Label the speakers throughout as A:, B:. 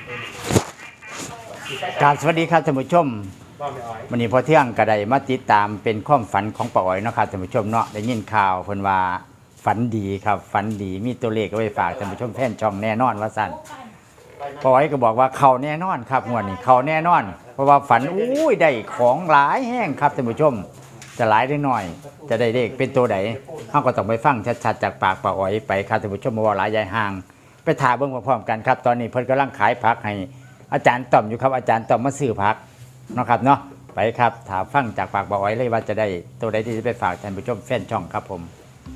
A: การสวัสดีครับท่านผู้ชมวันนี้พอเที่ยงกระไดมาติดตามเป็นความฝันของป้าอ๋อยเนาะครับท่านผู้ชมเนาะได้ยินข่าวเพิ่นว่าฝันดีครับฝันดีมีตัวเลขเอาไว้ฝากท่านผู้ชมแฟนช่องแน่นอนว่าสั่นป้าอ๋อยก็บอกว่าเขาแน่นอนครับงวดนี้เขาแน่นอนเพราะว่าฝันอุ้ยได้ของหลายแห้งครับท่านผู้ชมจะหลายได้หน่อยจะได้เลขเป็นตัวไหนเฮาก็ต้องไปฟังชัดๆจากปากป้าอ๋อยไปครับท่านผู้ชมบ่ว่าหลายใหญ่ห่างไปถามเบิ่งพร้อมๆกันครับตอนนี้เพิ่นกำลังขายผักให้อาจารย์ต่อมอยู่ครับอาจารย์ต่อมมาซื้อผักเนาะครับเนาะไปครับถามฟังจากปากป้าอ๋อยเลยว่าจะได้ตัวใดที่จะไปฝากท่านผู้ชมแฟนช่องครับผม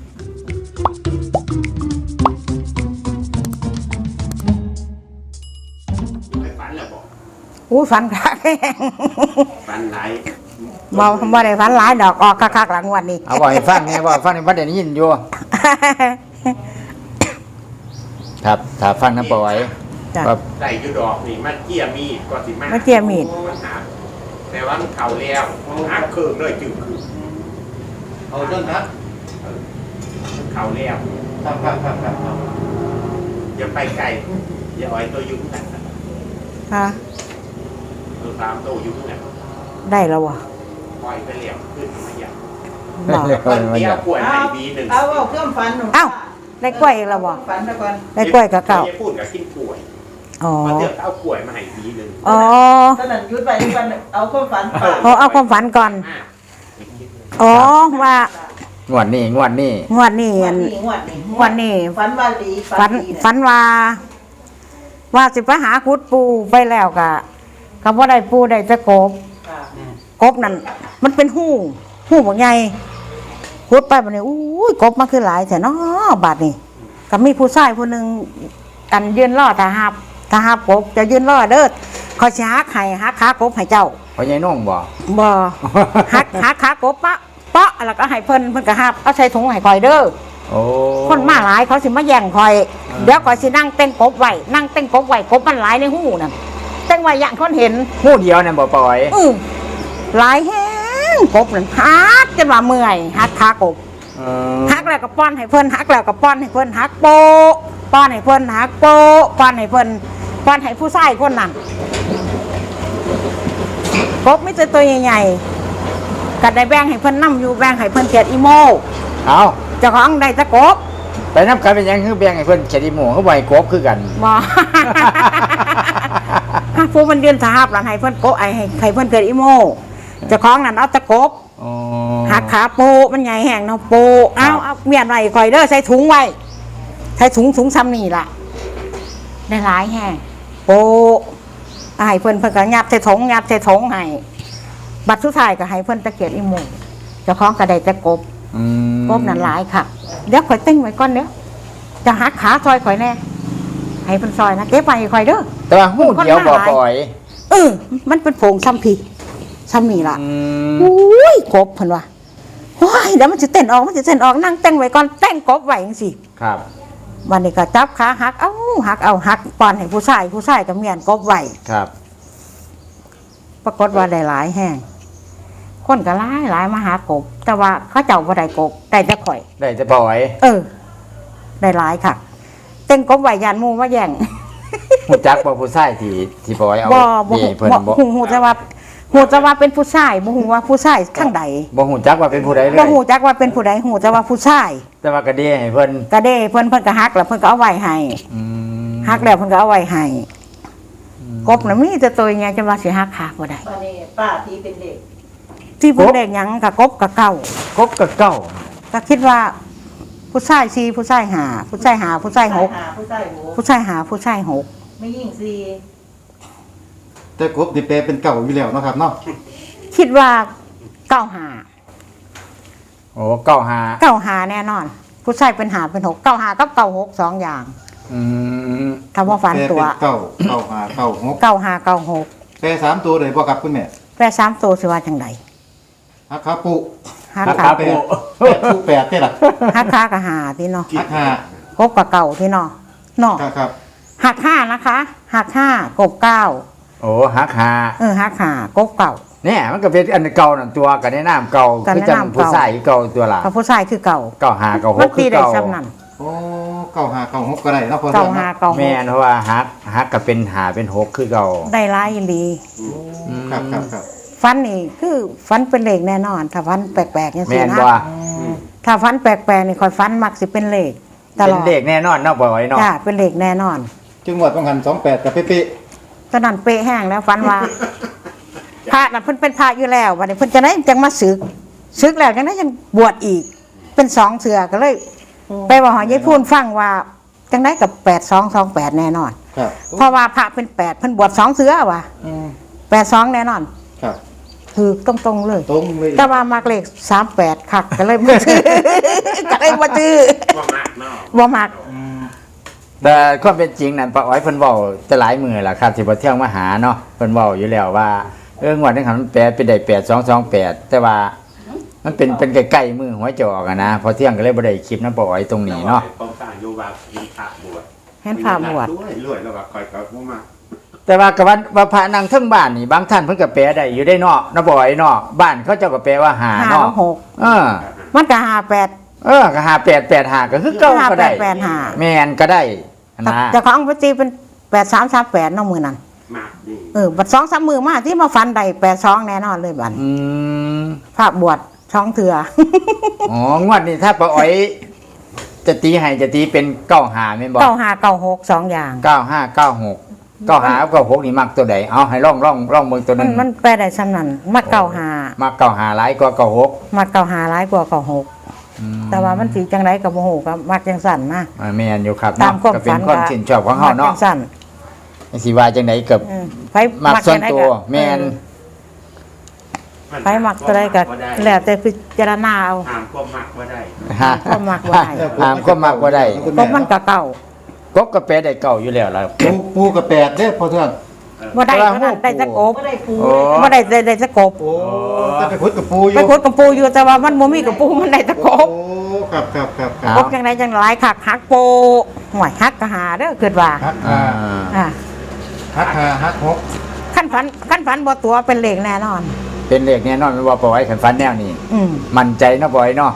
A: ฝันแล้วบอก
B: อู้ฝันคัก
A: ฝันหลาย
B: บ่ได้ฝันหลายดอกออกคักๆหลังวันนี้
A: เอาบ่ให้ฟังแน่บ่ฟังในบ่ได้ยินอยู่ครับถ้าฟังน้ำป้าอ๋อย
C: ว่าได้อยู่ดอกนี่มันเกี่ยมีดก็สิ
B: มันเกี่ยมีด
C: แต่ว่ามันเข่าแล้วหักเครื่องเลยจึงคือ
A: เอาจนนะ
C: เข่าแล้ว
A: ครับ
C: อย่าไปไกลอย่าอ้อยตัวยุ่งกัน
B: ค่ะ
C: ตัวตามตัวยุ่งกัน
B: ได้แล้ววะ
C: ปล่อยไปเลี้ยวขึ้นมาอย่าง
A: คน
C: เดียวป่วยในบีหนึ่ง
D: เอาเครื่องฟันหนู
B: เอ้าได้กล้วยแล้ววะ
D: ฟันแล้วก่อน
B: ได้กล้วยกับเก่า
C: พูดกับกินป่วย
B: อ๋อ
C: เดี๋ยวเอาป่วยมาให้บีหนึ่ง
B: อ๋อ
D: ตอนนั้นยุดไปทุกวันเอาความฝัน
B: เอาความฝันก่อนอ๋อว่าง
A: วดนี้
B: งวดนี้
D: วันนี้ฝันว่าดี
B: ฝันว่าสิไปหาคุดปูไปแล้วก็บ่ได้ปูได้จะกบนั่นมันเป็นหู้บ่ใหญ่คุดไปบัดนี้อุ้ยกบมันคือหลายแท้เนาะบาดนี้ก็มีผู้ชายผู้นึงกันยืนรอถ้าหาบกบจะยืนรอเด้อเขาสิหักขากบให้เจ้า
A: พ่อใหญ่น้องบ่
B: หักขากบปะแล้วก็ให้เพิ่นก็หับเอาใส่ถุงให้คอยเด้อ
A: โอ้
B: คนมาหลายเขาสิมาแย่งคอยเดี๋ยวคอยสินั่งเต้นกบไว้กบมันหลายในหูนั่นเต้นไว้อย่างคนเห็น
A: หูเดียวนั่นบ่ปล่อย
B: หลายแห้งกบนั่นหักจนว่าเมื่อยหักขากบหักแล้วก็ป้อนให้เพิ่นหักแล้วก็ป้อนให้เพิ่นหักโปป้อนให้เพิ่นหักโปป้อนให้เพิ่นป้อนให้ผู้ชายคนนั้นกบไม่ใช่ตัวใหญ่ๆก็ได้แบ่งให้เพิ่นน้ำอยู่แบ่งให้เพิ่นเกียดอีโม
A: เอา
B: เจ้าของได้ตะกบ
A: ไปน้ำกันเป็นยังคือแบ่งให้เพิ่นเกียดอีโมเขาไว้กบคือกัน
B: บ่ผู้มันเดือนสาบหลานให้เพิ่นโกให้เพิ่นเกียดอีโมเจ้าของนั่นเอาตะกบหักขาโปมันใหญ่แห้งเนาะโปเอาเมียนไว้คอยเด้อใส่ถุงไว้ใส่ถุงซ้ำนี่ล่ะได้หลายแห้งโปให้เพิ่นก็ยัดใส่ถุงให้บัดสุดท้ายก็ให้เพิ่นตะเกียบอีโมเจ้าของก็ได้ตะกบนั่นหลายค่ะเดี๋ยวข่อยติ้งไว้ก่อนเดี๋ยวจะหักขาซอยข่อยแน่ให้เพิ่นซอยนะเก็บไว้ข่อยเด้อ
A: แต่ว่าหูเดียวบ่ปล่อย
B: มันเป็นโผงซ้ำนี่ล่ะอุ้ยกบเพิ่นว่าว้ายเดี๋ยวมันจะเต้นออกนั่งเต้นไว้ก่อนเต้นกบไว้จังซี่
A: ครับ
B: วันนี้ก็จับขาหักปอนให้ผู้ชายก็เมียนกบไว้
A: ครับ
B: ปรากฏว่าได้หลายแห้งคนก็หลายมาหากบแต่ว่าเขาเจ้าบ่ได้กบได้แต่ข่อย
A: ได้แต่ปล่อย
B: ได้หลายค่ะเต้นกบไว้ยานหมู่มาแย่ง
A: ฮู้จักบ่ผู้ชายที่ปล่อยเอา
B: บ่เพิ่นบ่ฮู้จะว่าเป็นผู้ชายบ่ฮู้ว่าผู้ชายข้างใด
A: บ่ฮู้จักว่าเป็นผู้ใดเลย
B: บ่ฮู้จักว่าเป็นผู้ใดฮู้แต่ว่าผู้ชาย
A: แต่ว่ากระเด้ให้เพิ่น
B: ก็หักแล้วเพิ่นก็เอาไว้ให้หักแล้วเพิ่นก็เอาไว้ให้กบน่ะมีแต่ตัวใหญ่จังว่าสิหักขาบ่ได้
D: บัดนี้ป้าที่เป็นเด็ก
B: ที่เป็นเด็กหยังก็กบกับเก่าก็คิดว่าผู้ชาย4ผู้ชาย5ผู้ชาย5ผู้ชาย6ผู้ชาย5ผู้ชาย6
D: ไม่ยิ่ง
E: 4แต่กบนี่แปลเป็นเก่าอยู่แล้วเนาะครับเนาะ
B: คิดว่า95
A: โอ้95
B: แน่นอนผู้ชายเป็น5เป็น6 95กับ96 2อย่างถ้าว่าฝันตัว
E: 95 96แปล3ตัวเลยบ่ครับคุณแม่
B: แปล3ตัวสิว่าจังได๋
E: หักขาปุ
A: หักขาปุ
E: 8นี่ล่ะ
B: หักขาก็5ที่เนาะ
E: หัก5
B: กบกับเก่าที่เนาะ
E: ครับ
B: หัก5นะคะหัก5กบ9
A: โอ้หัก5
B: หัก5กบเก่า
A: เนี่ยมันก็เป็นอันเก่านั่นตัวกันในน้ำเก่าคือจังผู้ชายเก่าตัวล่ะ
B: กับผู้ชายคือเก่า
A: 95 96คือเก่า
E: โอ้อ้เก้าหาเก้าหกก็ได้เนาะพอ
B: เก้า
E: เทื่อง
B: ห้า
E: เนาะ
B: เก้าห
A: แม่
B: ก
A: นเพราะว่าฮักก็เป็นหาเป็นหกคือเก่า
B: ได้หลายอีหลี
E: ครับครับครับ
B: ฟันนี่คือฟันเป็นเลขแน่นอน ถ้าฟันแปลกๆอย่าง
A: แม่
B: ซี่
A: น
B: นะ
A: บ่
B: ถ้าฟันแปลกๆนี่คอยฟันมักสิเป็นเลขตล
A: เป็น
B: อด
A: เลขแน่นอนเนาะบ่ไว้เนาะ
B: จ้าเป็นเลขแน่นอน
E: จึงหวดต้องหัน28กับเป๊ะ
B: ตอนนั้นเป๊ะแห้งแล้วฟันว่า พระน่ะเพิ่นเป็นพระอยู่แล้ววันนี้เพิ่นจะได้จังมาศึกแล้วจังได้ยังบวชอีก เป็น2เทื่อก็เลย ไปว่าหอยายพูนฟังว่าจังได้กับ8228แน่นอน
E: ๆครับ
B: เพราะว่าพระเป็น8เพิ่นบวช2เทื่อว่ะ
E: อืม
B: 82แน่นอน
E: ครับ
B: คือตรงๆเลย
E: ตรงเลย
B: แต่ว่ามักเลข38คักก็เลยบ่ซื้อ ก็เลยบ่ซื้อ
C: ว่ามากเนาะ
B: บ่มัก
A: แต่ความเป็นจริงนั่นป้าอ้อยเพิ่นเว้าจะหลายมื้อล่ะครับที่บ่เที่ยงมาหาเนาะเพิ่นเว้าอยู่แล้วว่างวดนึงหันมันแปลเป็นได้8228แต่ว่ามันเป็นใกล้ๆมือหัวจะออกอะนะพอเที่ยงก็เลยบ่ได้คลิปนำป้าอ้อยตรงนี้เนาะ
C: ผมสั่งอยู่ว่ามีพระบวช
B: เห็นพระบวช
C: รวยแล้วว่าคอยกับผู้มา
A: แต่ว่ากับว่าพระนางเทั้งบ้านนี่บางท่านเพิ่นก็แปลได้อยู่ได้เนาะนะบ่อยเนาะบ้านเขาเจ้าก็แปลว่าหา
B: 5
A: เนาะ
B: 6
A: เออ
B: มันก็58
A: ก็5885ก็คือเก่าก็ได้
B: 5885
A: แม่นก็ได้นะ
B: แต่ของพระจีเป็น8338เนาะมื้อนั้น
C: มากดี
B: บัด2-3มื้อมาที่มาฟันได้82แน่นอนเลยบัด
A: อืม
B: พระบวชช่องเถื่อ
A: อ๋องวดนี้ถ้าป้าอ้อยจะตีให้จะตีเป็น95แม่นบ่
B: 9596 2อย่าง
A: 9596 95กับ96นี่มักตัวใดเอาให้ลองเบิ่งตัวหนึง
B: มันแปลได้ซ้ำนั้นมัก95
A: มัก95หลายกว่า96
B: มัก95หลายกว่า96แต่ว่ามันสิจังไดก็บ่ฮู้ก็มักจังสั่นนะ
A: แม่นอยู่ครับ
B: ตาม
A: เนาะ
B: ความ
A: ก็เป็
B: ฝั
A: น
B: น
A: ความชื่นชอบของเฮา
B: มั
A: เนาะ
B: กจังสั่น
A: สิว่าจังไดกับ
B: ไผ
A: มักส่วน
B: จังใด
A: ตัวแม่น
B: ไผมักตัวใดก็แล้วแต่พิจารณาเอา
C: ห้ามความมักว่าได้
A: ฮะ
B: ความมักบ่ได้
A: ห้ามความมักบ่ได้
B: เพราะมันก็เก่าก
A: บก็แปลได้เก่าอยู่แล้วล่ะ
E: ปูกับ8เด้อพอเทื่อง
B: บ่ได้เท่านั้นได้จะกบ
D: ก็ได้ปู
A: โอ้
B: บ่ได้จะกบ
E: โอ้ถ้าไปพุดกับปูอยู่
B: ไปขุดกับปูอยู่แต่ว่ามันบ่มีกับปูมันได้จะกบ
E: โอ้ครับครับครับค
A: ครั
E: รับ
B: กบจังไดจังหลายคักฮักโปห่วยฮักก็หาเด้อคิดว่า
E: ฮัก
A: อ่า
B: อ่า
E: ฮักฮัก6
B: ขั้นฝันบ่ตัวเป็นเลขแน่นอน
A: เป็นเลขแน่นอนไม่ว่าปล่อยขันฟันแนวนี้
B: อืม
A: มั่นใจเนาะปล่อยเนาะ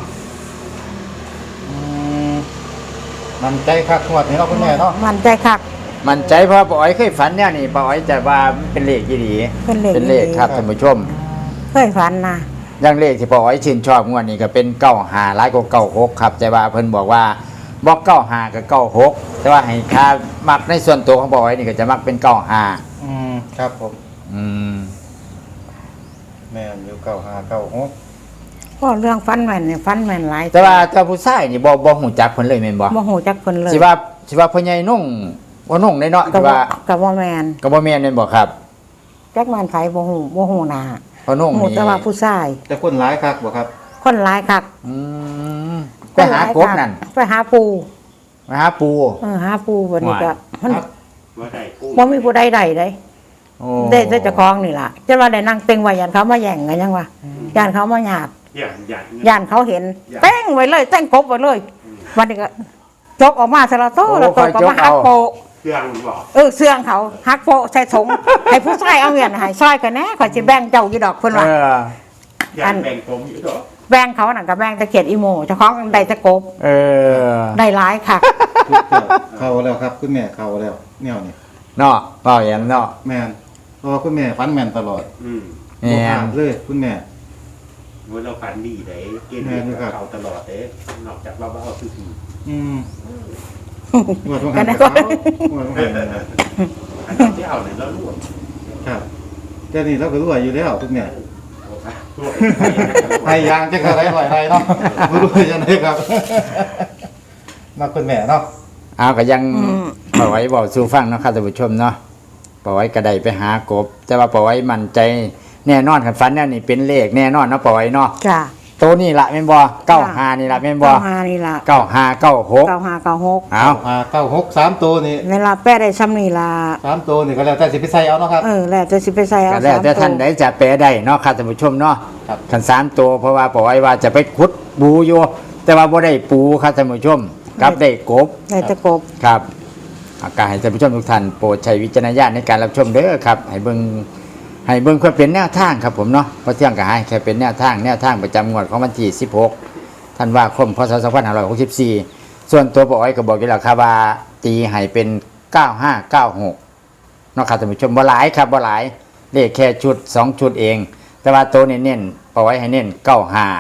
E: มันใจคักงวดนี้เนาะคุณแม่เนาะ
B: มันใจคัก
A: มั่นใจเพราะปล่อยเคยฝันแนวนี้ปล่อยจะว่ามันเป็นเลขยี่ดี
B: เป็นเลข
A: เป็นเลข
B: อีหลี
A: ครับท่านผู้ชม
B: เคยฝันนะ
A: อย่างเลขที่ปล่อยชื่นชอบงวดนี้ก็เป็น95หลายกว่า96ครับแต่ว่าเพิ่นบอกว่าบอก95กับ96แต่ว่าให้ค่ามักในส่วนตัวของปล่อยนี่ก็จะมักเป็น95
E: ครับผม
A: อืม
E: แม่นอยู่เก้าหาเก้าหก
B: ก็เรื่องฝันแม่นเนี่ยฝันแม่นหลาย
A: แต่ว่าถ้าผู้ชายนี่บ่ฮู้จักเพิ่นเลยแม่นบ่
B: บ่ฮู้จักเพิ่นเลย
A: สิว่าพ่อใหญ่นุ่งว่านุ่งได้เนาะ
B: ก็
A: ที่
B: บ่
A: ว่า
B: ก็บ่แม่น
A: ก็บ่แม่นแม่นบ่ครับ
B: จักแม่นไผบ่ฮู้หน้า
A: พ่อนุ่ง
B: ฮู้
A: นี่
B: แต่ว่าผู้ชาย
E: แต่คนหลายคักบ่ครับ
B: คนหลายคัก
A: อืมไปหากบนั่น
B: ไปหาปู
A: ไปหาปู
B: หาปูบัดนี้ก็มัน
C: ว่าได้กู้
B: บ่มีผู้ใดได้เด้
A: โอ้
B: ได้เจ้าของนี่ล่ะจะว่าได้นั่งเต็งไว้ยันเขามาแย่งกันยังวะยันเขามาหยาด
C: อย่างอย่าง
B: ยันเขาเห็นเต้งไว้เลยเต้งกบไว้เลยวันนี้ก็จกออกมาสละโตแล้วตัวก็มาหักโปะ
C: เครื่องบอก
B: เสื่องเขาหักโปะใส่ถุง ให้ผู้ชายเอาเงินให้ซอยกันแน่ข่อยสิแบ่งเจ้าอยู่ดอกเพิ่นว่า
C: อย่างแบ่งผมอยู่ดอก
B: แบ่งเขานั่นก็แบ่งตะเกียดอีโมเจ้าของได้ตะกบ
A: เออ
B: ได้หลายค่ะ
E: ทุกเจ้าเข้าแล้วครับคุณแม่เข้าแล้วแนวนี้
A: เนาะเปล่าอย่างเนาะ
E: แม่นเพราะว่าคุณแม่ฟันแม่นตลอด
A: แม่
E: บ่พลาน ดเลยคุณแม่
C: ว่าเราฝันดีเลยเกณฑ์ดีกับเขาตลอดเลยนอกจากเราเอาซื้อ
E: อืมงวดต้องหันเขางวดต้องหัน
C: อันนี้ที่เอาเนี่ยเราลวก
E: ครับแต่นี่เราก็รู้อยู่แล้วคุณแม่
C: ลวก
E: ให้ยางจะกระไรหน่อยไรเนาะบ่รู้จังได๋ครับมาคุณแม่เนาะ
A: เอาก็ยัง
B: อืม
A: ปล่อยไว้บอกสู่ฟังเนาะครับท่านผู้ชมเนาะปล่อยไว้ก็ได้ไปหากบ แต่ว่าปล่อยไว้มั่นใจแน่นอนคันฟันแนวนี้เป็นเลขแน่นอนเนาะปล่อยไว้เนาะ
B: จ้ะ
A: ตัวนี้ละแม่นบ่95นี่ละแม่นบ่
B: 95นี่ล่ะ
A: 9596
B: 9596
A: เอา
E: เก้าหก3ตัวนี่
B: เวลาแป้ได้ซ้ำนี่ล่ะ
E: 3ตัวนี่ก็แล้วแต่สิไปใส่เอาเนาะครับ
B: แล้วจะสิไปใส่เอา
A: ก็แล้วแต่ท่าน
B: 3
A: ใดจะแปลได้เนาะครับท่านผู้ชมเนาะ
E: ครับ
A: คัน3ตัวเพราะว่าปล่อยว่าจะไปขุดปูอยู่แต่ว่าบ่ได้ปูครับท่านผู้ชมกลับได้กบ
B: ได้ตะกบ
A: ครับอาการให้ท่านผู้ชมทุกท่านโปรดใช้วิจารณญาณในการรับชมเด้อครับให้เบิ่งเพื่อเป็นแนวทางครับผมเนาะเพราะเที่ยงก็ให้แค่เป็นแนวทางประจำงวดของวันที่16ธันวาคมพศ2564 ส่วนตัวปออ้อยก็บอกอยู่แล้วครับว่าตีให้เป็น9596เนาะครับท่านผู้ชมบ่หลายครับบ่หลายเลขแค่ชุด2ชุดเอง แต่ว่าตัวเน้นๆปออ้อยให้เน้น95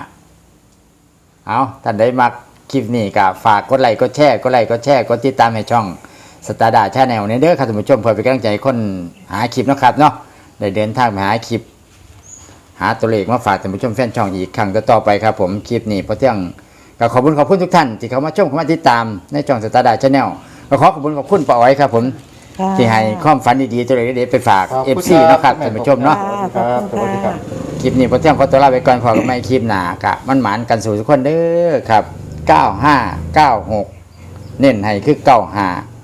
A: เอาท่านใดมักคลิปนี้ก็ฝากกดไลค์กดแชร์กดติดตามให้ช่องสตาร์ดาชาแนลเนี่ยเด้อครับท่านผู้ชมเพื่อเป็นกำลังใจให้คนหาคลิปเนาะครับเนาะได้เดินทางไปหาคลิปหาตัวเลขมาฝากท่านผู้ชมแฟนช่องอีกครั้งต่อไปครับผมคลิปนี้พอเที่ยงก็ขอบคุณทุกท่านที่เข้ามาชมเข้ามาติดตามในช่องสตาร์ดาชาแนลก็ขอบคุณป้าอ้อยครับผมที่ให้ความฝันดีๆตัวเลขเด็ดๆไปฝาก FC เนาะครับท่านผู้ชมเนาะ
E: ครับสวัสดีครับ
A: คลิปนี้พอเที่ยงขอตัวลาไปก่อนขอกันใหม่คลิปหน้ากะมันหมานกันสู่ทุกคนเด้อครับ9596เน้นให้คือ95